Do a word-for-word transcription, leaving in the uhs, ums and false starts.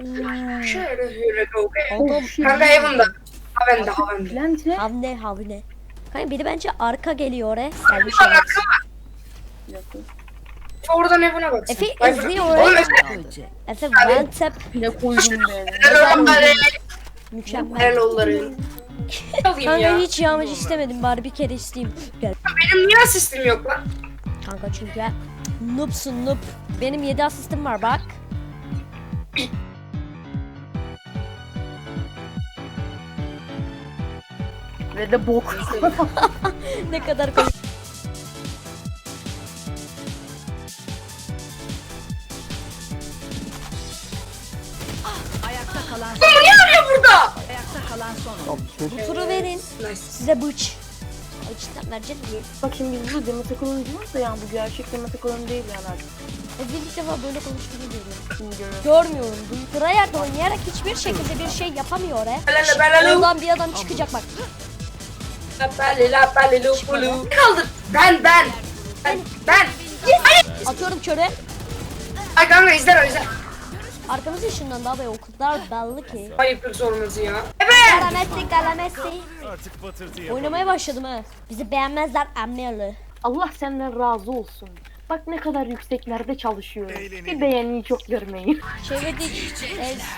Şöyle şöyle go. Adam Kanka Heaven'da. Haven'da Haven'da. Bence havne havne. Kanka biri bence arka geliyor oraya. Gelmiş Bak evet. arka var. Oradan Heaven'a baksın. Efe Vay izliyor bırak- oraya. Oğlum Efe. Efe one tap ne koydum be. Helal olları. mükemmel. Helal olları. Alayım Kanka ya. hiç yağmacı istemedim bari bir kere isteyeyim. Gel. Benim niye asistim yok lan? Kanka çünkü noobsun noob. Benim yedi asistim var bak. Ve de bok. Ne kadar komik. Ayakta kalan Niye arıyor burada? ayakta kalan son. Bu turu verin. Nice. Size bıç. Ay cidden verecek miyim? Bak şimdi biz bu Demet Akalın diyoruz da yani bu gerçek Demet Akalın değil yani artık. Efe ilk defa böyle konuştuğunu görüyorum. Şimdi görüyorum. Görmüyorum. Bu tryhard oynayarak hiçbir şekilde bir şey yapamıyor oraya. Belale belale. Oradan bir adam çıkacak bak. Lapale lapale lupulu. Kaldır. Ben ben. Ben ben. Atıyorum körü. Ay kanka izler izler. Arkamız ışığından daha böyle o kadar belli ki. Ayıplık sorması ya. Evet. Galamessi galamessi. Artık patırtı yap. Oynamaya başladım ha. Bizi beğenmezler emmerli. Allah senden razı olsun. Bak ne kadar yükseklerde çalışıyorum. Eğlenelim. Bir beğeniyi çok görmeyin. Çevirdik. Ez,